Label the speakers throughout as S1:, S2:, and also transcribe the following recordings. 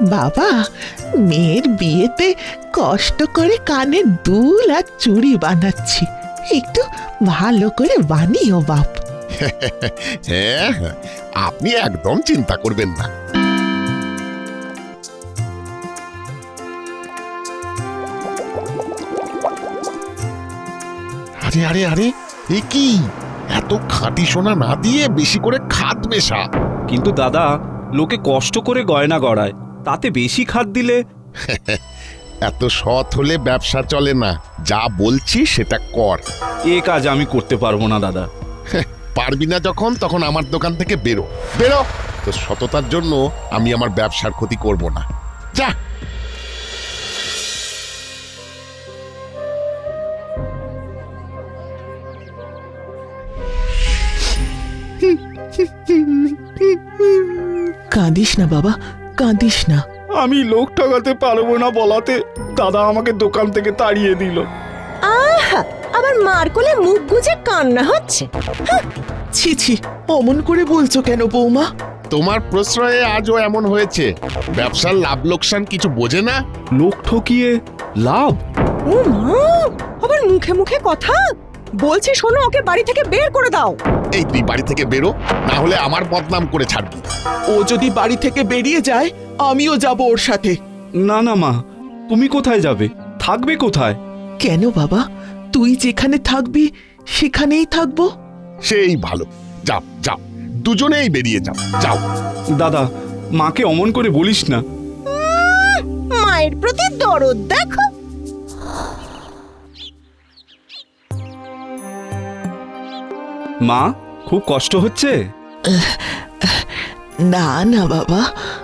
S1: বাবা, মেয়ের বিয়েতে কষ্ট করে কানের দুল আর চুড়ি বানাচ্ছি, একটু ভালো করে বানিও বাপ।
S2: হ্যাঁ হ্যাঁ, আপনি একদম চিন্তা করবেন না। আরে আরে আরে, এ কি এত খাঁটি সোনা না দিয়ে বেশি করে খাদ মেশা?
S3: কিন্তু দাদা, লোকে কষ্ট করে গয়না গড়ায়, তাতে বেশি খাদ দিলে?
S2: এত সৎ হলে ব্যবসা চলে না। যা বলছি সেটা কর।
S3: এ কাজ আমি করতে পারবো না দাদা।
S2: পারবি না যখন, তখন আমার দোকান থেকে বেরো বেরো। তো সততার জন্য আমি আমার ব্যবসার ক্ষতি করব না। যা।
S1: কাঁদিস না বাবা, কাঁদিস না।
S3: আমি লোক ঠকাতে পারবো না বলাতে দাদা আমাকে দোকান থেকে তাড়িয়ে দিল।
S4: আহা, আবার মার কোলে মুখ গুজে কান্না হচ্ছে।
S1: ছি ছি, অমন করে বলছো কেন বৌমা?
S2: তোমার প্রশ্রয়ে আজও এমন হয়েছে। ব্যবসার লাভ লোকসান কিছু বোঝে না।
S3: লোক ঠকিয়ে লাভ?
S4: ও মা, আবার মুখে মুখে কথা বলছি। শোনো, ওকে বাড়ি থেকে বের করে দাও।
S2: এই তুই বাড়ি থেকে বেরো, না হলে আমার বদনাম করে ছাড়বি।
S1: ও যদি বাড়ি থেকে বেরিয়ে যায়, আমিও যাব ওর সাথে।
S3: না না মা, তুমি কোথায় যাবে? থাকবে কোথায়?
S1: কেন বাবা, তুই যেখানে থাকবি সেখানেই থাকবো।
S2: সেই ভালো। যাও যাও, দুজনেই বেরিয়ে যাও। যাও।
S3: দাদা, মাকে অমন করে বলিস না।
S4: মায়ের প্রতি দরদ দেখো।
S3: মা, খুব কষ্ট হচ্ছে?
S1: না না বাবা,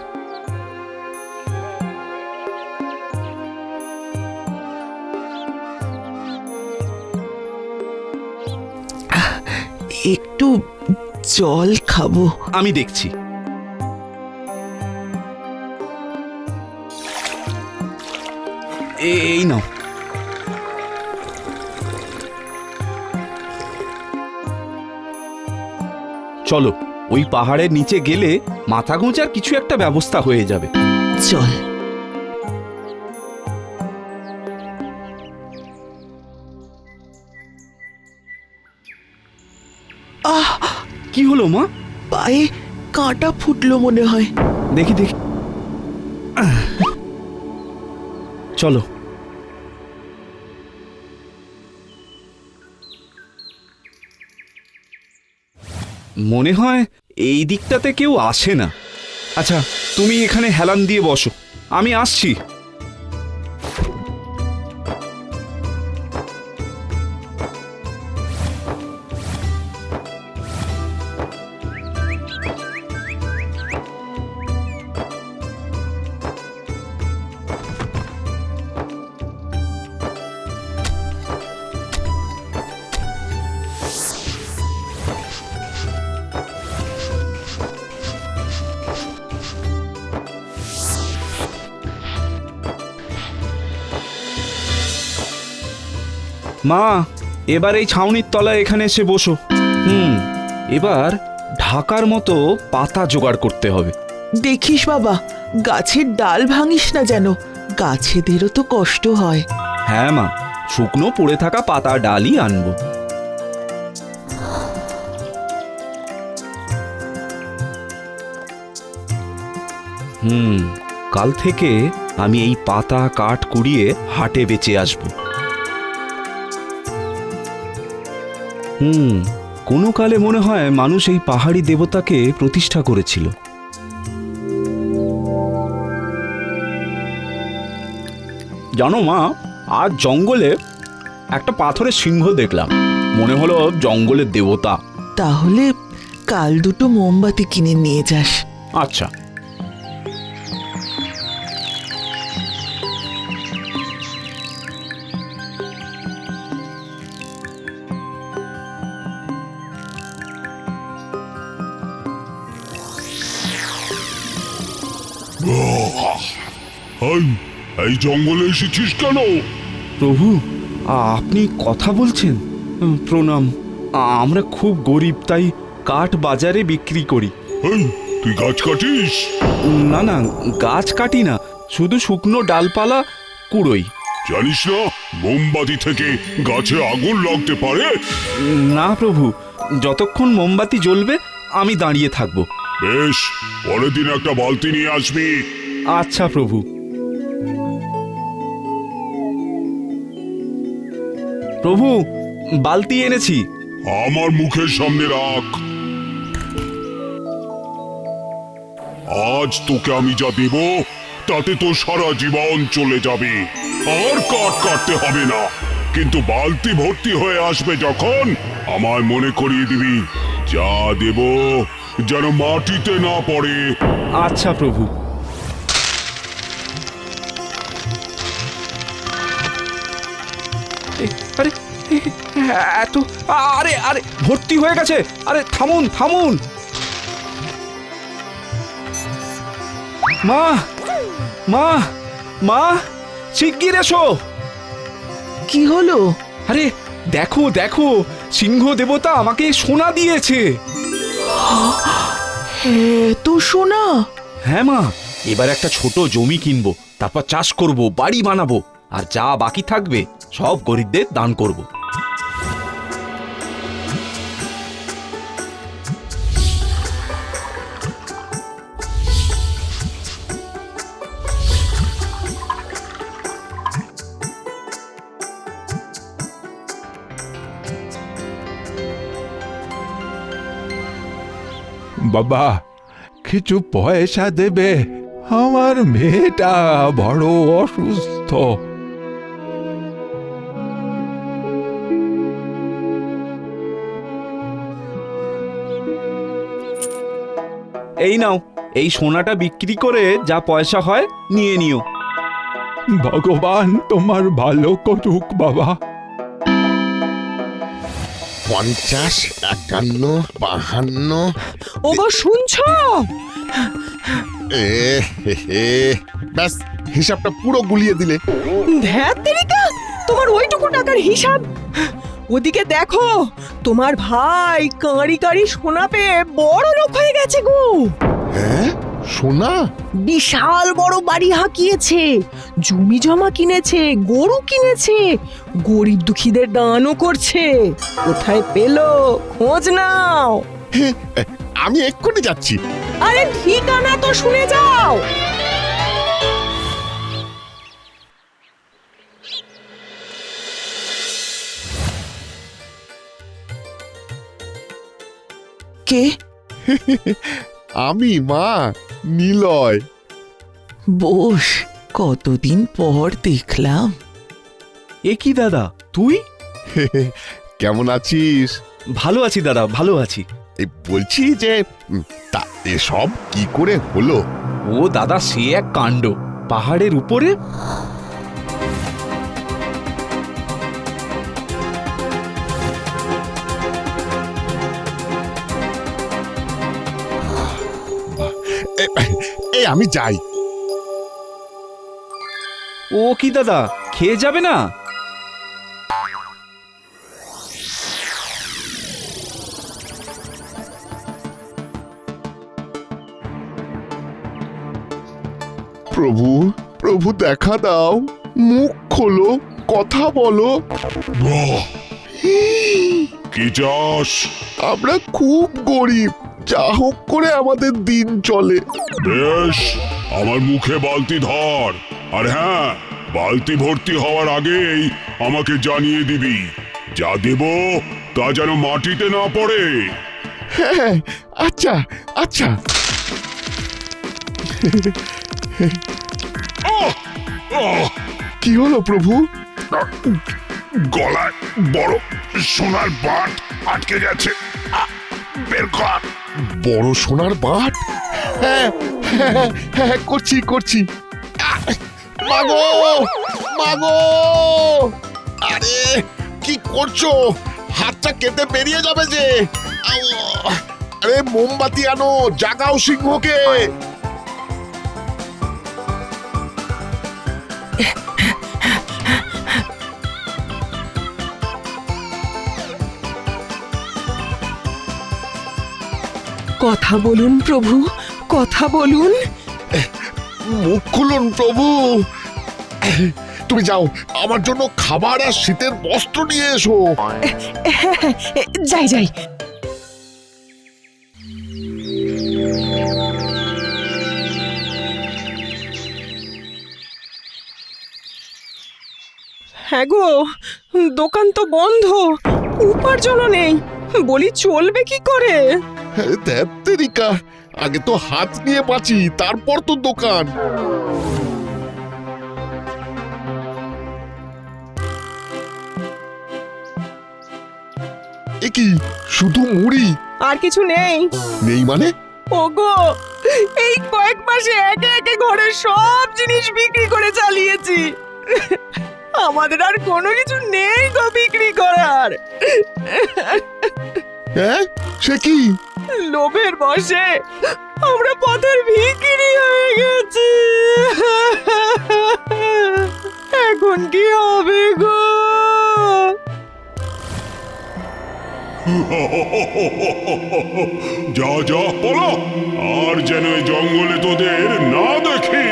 S1: একটু জল খাবো।
S3: আমি দেখছি। এই নাও। চলো, ওই পাহাড়ের নিচে গেলে মাথা গোঁজার কিছু একটা ব্যবস্থা হয়ে যাবে।
S1: চল। আহ,
S3: কি হলো মা?
S1: পায়ে কাঁটা ফুটলো মনে হয়।
S3: দেখি দেখি। চলো। মনে হয় এই দিকটাতে কেউ আসে না। আচ্ছা, তুমি এখানে হেলান দিয়ে বসো, আমি আসছি। মা, এবার এই ছাউনির তলায় এখানে এসে বসো। এবার ঢাকার মতো পাতা জোগাড় করতে হবে।
S1: দেখিস বাবা, গাছের ডাল ভাঙিস না যেন, গাছেদেরও তো কষ্ট হয়।
S3: হ্যাঁ মা, শুকনো পড়ে থাকা পাতা ডালই আনবো। কাল থেকে আমি এই পাতা কাঠ কুড়িয়ে হাটে বেচে আসবো। কোনো কালে মনে হয় মানুষ এই পাহাড়ি দেবতাকে প্রতিষ্ঠা করেছিল। জানো মা, আজ জঙ্গলে একটা পাথরের সিংহ দেখলাম, মনে হলো জঙ্গলের দেবতা।
S1: তাহলে কাল দুটো মোমবাতি কিনে নিয়ে যাস।
S3: আচ্ছা।
S5: এই জঙ্গলে এসেছিস কেন?
S3: প্রভু, আপনি কথা বলছেন? প্রণাম। আমরা খুব গরিব, তাই কাঠ বাজারে বিক্রি করি।
S5: এই, তুই গাছ কাটিস?
S3: না না, গাছ কাটি না, শুধু শুকনো ডালপালা কুড়োই।
S5: জানিস না মোমবাতি থেকে গাছে আগুন লাগতে পারে?
S3: না প্রভু, যতক্ষণ মোমবাতি জ্বলবে আমি দাঁড়িয়ে থাকবো।
S5: বেশ, পরের দিন একটা বালতি নিয়ে আসবি।
S3: আচ্ছা প্রভু। প্রভু, বালতি এনেছি।
S5: আমার মুখের সামনে রাখ। আজ তোকে আমি যা দেব তাতে তো সারা জীবন চলে যাবে, আর কাঠ কাটতে হবে না। কিন্তু বালতি ভর্তি হয়ে আসবে যখন, আমায় মনে করিয়ে দিবি যা দেব যেন মাটিতে না পড়ে।
S3: আচ্ছা প্রভু। আরে এত, আরে আরে ভর্তি হয়ে গেছে। আরে থামুন থামুন। মা মা মা, শিগগির এসো।
S1: কি হলো?
S3: আরে দেখো দেখো, সিংহ দেবতা আমাকে সোনা দিয়েছে।
S1: তো সোনা?
S3: হ্যাঁ মা, এবার একটা ছোট জমি কিনবো, তারপর চাষ করব, বাড়ি বানাবো, আর যা বাকি থাকবে সব গরিবদের দান করব।
S6: বাবা, কিছু পয়সা দেবে? আমার মেয়েটা বড় অসুস্থ।
S3: এই নাও, এই সোনাটা বিক্রি করে যা পয়সা হয় নিয়ে নিও।
S6: ভগবান তোমার ভালো করুক বাবা।
S2: 50, 51, 52।
S4: ওগো শুনছো?
S2: ব্যাস, হিসাবটা পুরো গুলিয়ে দিলে।
S4: ধ্যাত তেরিকা, তোমার ওইটুকু টাকার হিসাব। ওদিকে দেখো, তোমার ভাই কাঁড়ি কাঁড়ি সোনা পেয়ে বড় লোক হয়ে গেছে গো।
S2: হ্যাঁ, সোনা?
S4: বিশাল বড় বাড়ি হাঁকিয়েছে, জমি জমা কিনেছে, গরু কিনেছে, গরিব দুঃখীদের দানও করছে। কোথায় পেলো খোঁজ নাও।
S2: আমি এক্ষুনি যাচ্ছি।
S4: আরে ঠিকানা তো শুনে যাও।
S1: কে?
S2: আমি মা, নিলয়।
S1: বস, কতদিন পর দেখলাম।
S3: এ কি দাদা, তুই?
S2: কেমন আছিস?
S3: ভালো আছি দাদা, ভালো আছি।
S2: এই বলছি যে তা এসব কি করে হলো?
S3: ও দাদা, সে এক কাণ্ড। পাহাড়ের উপরে
S2: এই আমি যাই।
S3: ও কি দাদা, খেয়ে যাবে না?
S2: প্রভু, প্রভু দেখা দাও, মুখ খোলো, কথা বলো।
S5: বাহ! কি চাস?
S2: আমরা খুব গরিব, যা হোক করে আমাদের দিন চলে।
S5: বেশ, আমার মুখে বালতি ধর, আর হ্যাঁ, বালতি ভর্তি হওয়ার আগেই আমাকে জানিয়ে দিবি। যা দেব তা যেন মাটিতে না পড়ে।
S2: হ্যাঁ, আচ্ছা আচ্ছা।
S5: আহ! আহ!
S2: কি হলো প্রভু?
S5: গলায় বড় সোনার বাট আটকে গেছে। বের কর।
S2: বড় সোনার বাট? হ্যাঁ হ্যাঁ হ্যাঁ, করছি করছি। মাগো, মাগো! আরে কি করছো? হাতটা কেটে বেরিয়ে যাবে যে। আরে মোমবাতি আনো, জাগাও সিংহকে।
S4: কথা বলুন প্রভু, কথা বলুন।
S2: মুখ খুলুন প্রভু। তুমি যাও, আমার জন্য খাবার আর শীতের বস্ত্র নিয়ে এসো।
S4: যাই যাই। হ্যাঁ গো, দোকান তো বন্ধ, উপার্জনও নেই, বলি চলবে কি করে?
S2: ধ্যাত্তেরিকা, আগে তো হাত নিয়ে বাঁচি, তারপর তো দোকান। এ কি, শুধু মুড়ি?
S4: আর কিছু নেই?
S2: নেই মানে?
S4: ওগো, এই কয়েক মাসে একে একে ঘরের সব জিনিস বিক্রি করে চালিয়েছি, আমাদের আর কোনো কিছু নেই গো বিক্রি করার।
S2: হ্যাঁ, সে কি?
S4: লোভের বশে আমরা পথের ভিখিরি হয়ে গেছি, এখন কি হবে গো?
S5: যা যা পলা, আর যেন এই জঙ্গলে তোদের না দেখি।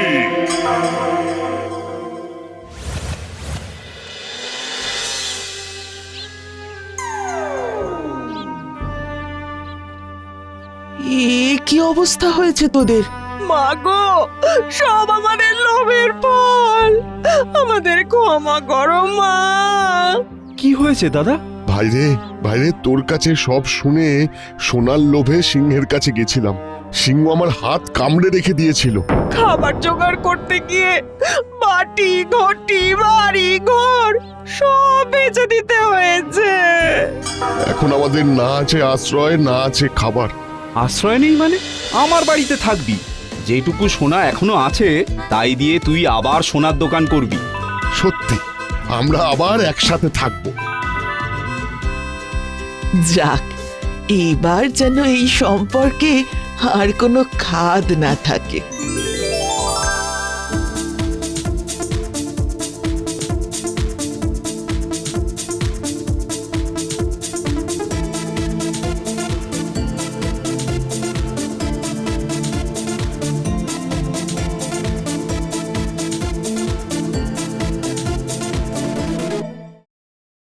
S1: কি অবস্থা হয়েছে তোদের?
S4: মা গো, সব আমাদের লোভের ফল, আমাদের ক্ষমা করো মা।
S3: কি হয়েছে দাদা?
S2: ভাইরে, ভাইরে, তোর কাছে সব শুনে সোনার লোভে সিংহের কাছে গেছিলাম। সিংহ আমার হাত কামড়ে রেখে দিয়েছিল।
S4: খাবার জোগাড় করতে গিয়ে বাটি ঘটি বাড়ি ঘর সব বেচে দিতে হয়েছে।
S2: এখন আমাদের না আছে আশ্রয়, না আছে খাবার।
S3: আশ্রয় নেই মানে? আমার বাড়িতে থাকবি, যেটুকু সোনা এখনো আছে তাই দিয়ে তুই আবার সোনার দোকান করবি।
S2: সত্যি, আমরা আবার একসাথে থাকবো।
S1: যাক, এবার যেন এই সম্পর্কে আর কোনো খাদ না থাকে।